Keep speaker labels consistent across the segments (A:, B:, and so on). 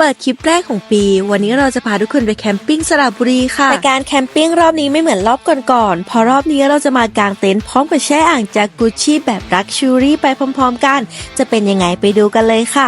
A: เปิดคลิปแรกของปีวันนี้เราจะพาทุกคนไปแคมปิ้งสระบุรีค่ะแต่การแคมปิ้งรอบนี้ไม่เหมือนรอบก่อนๆเพราะรอบนี้เราจะมากางเต็นท์พร้อมกับแช่อ่างจากกุชชี่แบบลักชัวรี่ไปพร้อมๆกันจะเป็นยังไงไปดูกันเลยค่ะ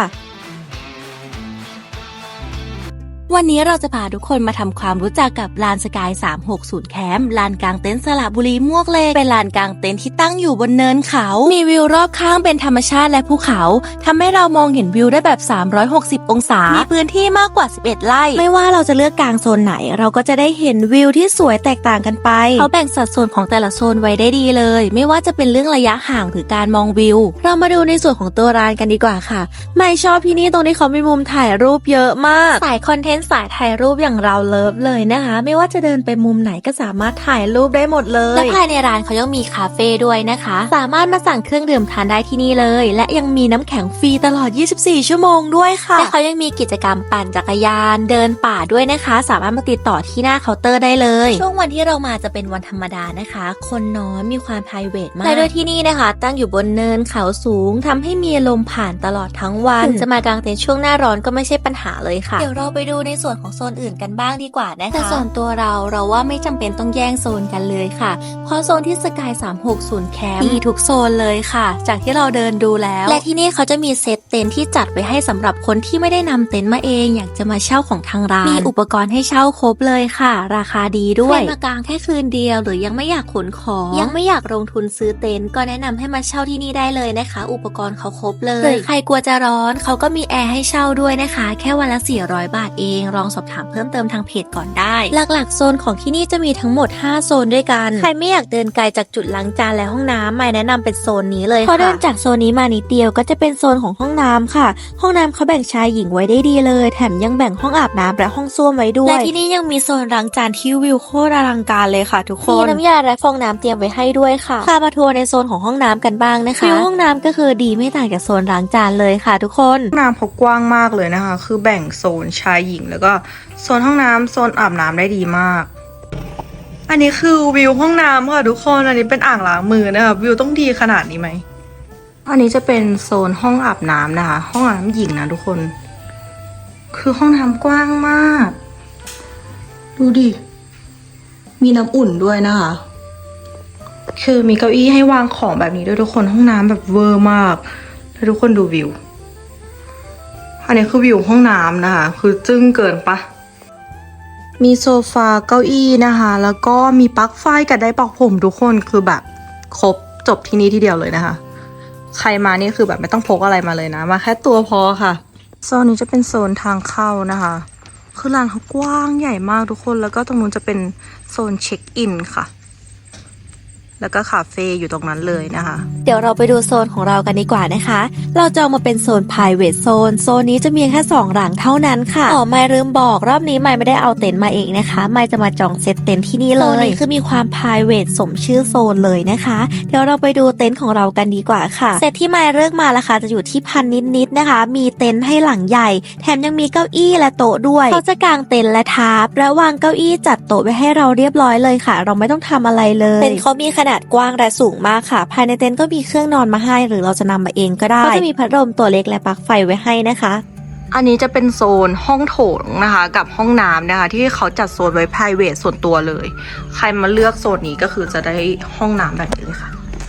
A: วันนี้เราจะพาทุกคนมาทำความรู้จักกับลานสกาย360แคมป์ลานกางเต็นท์สระบุรีมวกเหล็กเป็นลานกางเต็นท์ที่ตั้งอยู่บนเนินเขามีวิวรอบข้างเป็นธรรมชาติและภูเขาทำให้เรามองเห็นวิวได้แบบ360องศามีพื้นที่มากกว่า11ไร่ไม่ว่าเราจะเลือกกางโซนไหนเราก็จะได้เห็นวิวที่สวยแตกต่างกันไปเขาแบ่งสัดส่วนของแต่ละโซนไว้ได้ดีเลยไม่ว่าจะเป็นเรื่องระยะห่างหรือการมองวิวเรามาดูในส่วนของตัวลานกันดีกว่าค่ะไม่ชอบที่นี่ตรงที่เขามีมุมถ่ายรูปเยอะมากสายคอนเทนต์สายถ่ายรูปอย่างเราเลิฟเลยนะคะไม่ว่าจะเดินไปมุมไหนก็สามารถถ่ายรูปได้หมดเลยและภายในร้านเขายังมีคาเฟ่ด้วยนะคะสามารถมาสั่งเครื่องดื่มทานได้ที่นี่เลยและยังมีน้ำแข็งฟรีตลอด24ชั่วโมงด้วยค่ะและเขายังมีกิจกรรมปั่นจักรยานเดินป่าด้วยนะคะสามารถมาติดต่อที่หน้าเคาน์เตอร์ได้เลยช่วงวันที่เรามาจะเป็นวันธรรมดานะคะคนน้อยมีความ private มากและโดยที่นี่นะคะตั้งอยู่บนเนินเขาสูงทำให้มีลมผ่านตลอดทั้งวันถึงจะมากางเต็นท์ช่วงหน้าร้อนก็ไม่ใช่ปัญหาเลยค่ะเดี๋ยวเราไปดูในส่วนของโซนอื่นกันบ้างดีกว่านะคะแต่ส่วนตัวเราว่าไม่จำเป็นต้องแย่งโซนกันเลยค่ะเพราะโซนที่สกาย360แคมป์มีทุกโซนเลยค่ะจากที่เราเดินดูแล้วและที่นี่เขาจะมีเซตเต็นท์ที่จัดไว้ให้สำหรับคนที่ไม่ได้นำเต็นท์มาเองอยากจะมาเช่าของทางร้านมีอุปกรณ์ให้เช่าครบเลยค่ะราคาดีด้วยใครมากางแค่คืนเดียวหรือยังไม่อยากขนของยังไม่อยากลงทุนซื้อเต็นท์ก็แนะนำให้มาเช่าที่นี่ได้เลยนะคะอุปกรณ์เขาครบเลยหรือใครกลัวจะร้อนเขาก็มีแอร์ให้เช่าด้วยนะคะแค่วันละ400 บาทเองลองสอบถามเพิ่มเติมทางเพจก่อนได้หลักๆโซนของที่นี่จะมีทั้งหมด5โซนด้วยกันใครไม่อยากเดินไกลจากจุดล้างจานและห้องน้ำไม่แนะนำเป็นโซนนี้เลยค่ะพอเดินจากโซนนี้มานิดเดียวก็จะเป็นโซนของห้องน้ำค่ะห้องน้ำเขาแบ่งชายหญิงไว้ได้ดีเลยแถมยังแบ่งห้องอาบน้ำและห้องส้วมไว้ด้วยและที่นี่ยังมีโซนล้างจานที่วิวโคตรอลังการเลยค่ะทุกคนมีน้ำยาและฟองน้ำเตรียมไว้ให้ด้วยค่ะพามาทัวร์ในโซนของห้องน้ำกันบ้างนะคะวิวห้องน้ำก็คือดีไม่ต่างจากโซนล้างจานเลยค่ะทุกคน
B: ห้องน้ำเขากว้างมากเลยนะคะคือแบ่งโซนชายหญิงแล้วก็โซนห้องน้ำโซนอาบน้ำได้ดีมากอันนี้คือวิวห้องน้ำค่ะทุกคนอันนี้เป็นอ่างล้างมือนะคะวิวต้องดีขนาดนี้ไหมอันนี้จะเป็นโซนห้องอาบน้ำนะคะห้องอาบน้ำหญิงนะทุกคนคือห้องน้ำกว้างมากดูดิมีน้ำอุ่นด้วยนะคะคือมีเก้าอี้ให้วางของแบบนี้ด้วยทุกคนห้องน้ำแบบเวอร์มากแล้วทุกคนดูวิวอันนี้คือวิวห้องน้ำนะคะคือจึ้งเกินปะมีโซฟาเก้าอี้นะคะแล้วก็มีปลั๊กไฟกับไดร์เป่าผมทุกคนคือแบบครบจบที่นี่ที่เดียวเลยนะคะใครมานี่คือแบบไม่ต้องพกอะไรมาเลยนะมาแค่ตัวพอค่ะโซนนี้จะเป็นโซนทางเข้านะคะคือร้านเขากว้างใหญ่มากทุกคนแล้วก็ตรงนู้นจะเป็นโซนเช็คอินค่ะแล้วก็คาเฟ่อยู่ตรงนั้นเลยนะคะ
A: เดี๋ยวเราไปดูโซนของเรากันดีกว่านะคะเราจองมาเป็นโซน private zone โซนนี้จะมีแค่2หลังเท่านั้นค่ะไม่ลืมบอกรอบนี้ไม่ได้เอาเต็นท์มาเองนะคะไม่จะมาจองเซตเต็นท์ที่นี่เลยโซนนี้คือมีความ private สมชื่อโซนเลยนะคะเดี๋ยวเราไปดูเต็นท์ของเรากันดีกว่าค่ะเซตที่ไม่เลือกมาราคาจะอยู่ที่1,000นิดๆนะคะมีเต็นท์ให้หลังใหญ่แถมยังมีเก้าอี้และโต๊ะด้วยเขาจะกางเต็นท์และทาร์ปและวางเก้าอี้จัดโต๊ะไว้ให้เราเรียบร้อยเลยค่ะเราไม่ต้องทำอะไรเลยเต็นท์เขามีขนาดกว้างและสูงมากค่ะภายในเต็นท์ก็มีเครื่องนอนมาให้หรือเราจะนำมาเองก็ได้ก็จะมีพัดลมตัวเล็กและปลั๊กไฟไว้ให้นะคะ
B: อันนี้จะเป็นโซนห้องโถงนะคะกับห้องน้ำนะคะที่เขาจัดโซนไว้ private ส่วนตัวเลยใครมาเลือกโซนนี้ก็คือจะได้ห้องน้ำแบบนี้เลยค่ะ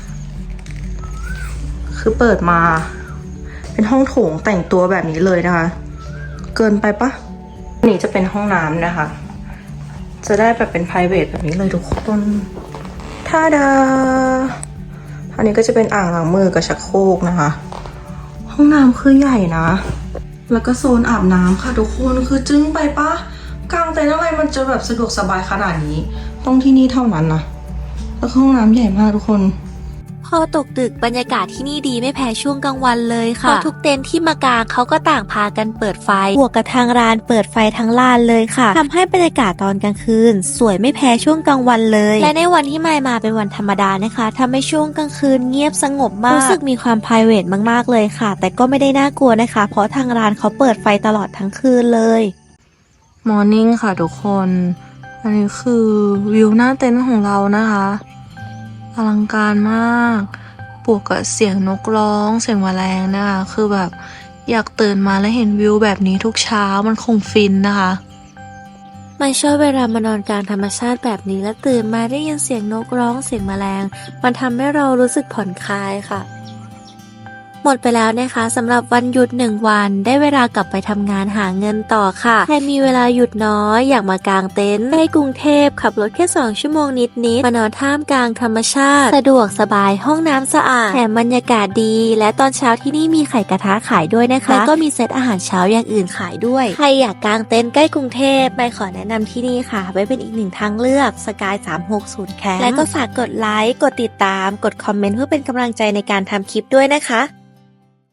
B: คือเปิดมาเป็นห้องโถงแต่งตัวแบบนี้เลยนะคะเกินไปปะนี่จะเป็นห้องน้ำนะคะจะได้แบบเป็น private แบบนี้เลยทุกคนท่าดาอันนี้ก็จะเป็นอ่างล้างมือกับชักโครกนะคะห้องน้ำคือใหญ่นะแล้วก็โซนอาบน้ำค่ะทุกคนคือจึ้งไปปะกางเต็นท์อะไรมันจะแบบสะดวกสบายขนาดนี้ต้องที่นี่เท่านั้นนะแล้วห้องน้ำใหญ่มากทุกคน
A: พอตกดึกบรรยากาศที่นี่ดีไม่แพ้ช่วงกลางวันเลยค่ะเพราะทุกเต็นท์ที่มากางเขาก็ต่างพากันเปิดไฟบวกกับทางร้านเปิดไฟทั้งลานเลยค่ะทำให้บรรยากาศตอนกลางคืนสวยไม่แพ้ช่วงกลางวันเลยและในวันที่ไม่มาเป็นวันธรรมดานะคะทำให้ช่วงกลางคืนเงียบสงบมากรู้สึกมีความ private มากๆเลยค่ะแต่ก็ไม่ได้น่ากลัวนะคะเพราะทางร้านเขาเปิดไฟตลอดทั้งคืนเลย
B: มอร์นิ่งค่ะทุกคนอันนี้คือวิวหน้าเต็นท์ของเรานะคะอลังการมากบวกกับเสียงนกร้องเสียงแมลงนะคะคือแบบอยากตื่นมาแล้วเห็นวิวแบบนี้ทุกเช้ามันคงฟินนะคะ
A: ไม่ชอบเวลามานอนกลางธรรมชาติแบบนี้และตื่นมาได้ยินเสียงนกร้องเสียงแมลงมันทำให้เรารู้สึกผ่อนคลายค่ะ หมดไปแล้วนะคะสำหรับวันหยุด1 วันได้เวลากลับไปทำงานหาเงินต่อค่ะใครมีเวลาหยุดน้อยอยากมากางเต็นท์ในกรุงเทพขับรถแค่2 ชั่วโมงนิดๆมานอนท่ามกลางธรรมชาติสะดวกสบายห้องน้ำสะอาดแถมบรรยากาศดีและตอนเช้าที่นี่มีไข่กระทะขายด้วยนะคะแล้วก็มีเซตอาหารเช้าอย่างอื่นขายด้วยใครอยากกางเต็นท์ใกล้กรุงเทพไม่ขอแนะนำที่นี่ค่ะไว้เป็นอีกหนึ่งทางเลือกสกาย360แคมป์และก็ฝากกดไลค์กดติดตามกดคอมเมนต์เพื่อเป็นกำลังใจในการทำคลิปด้วยนะคะ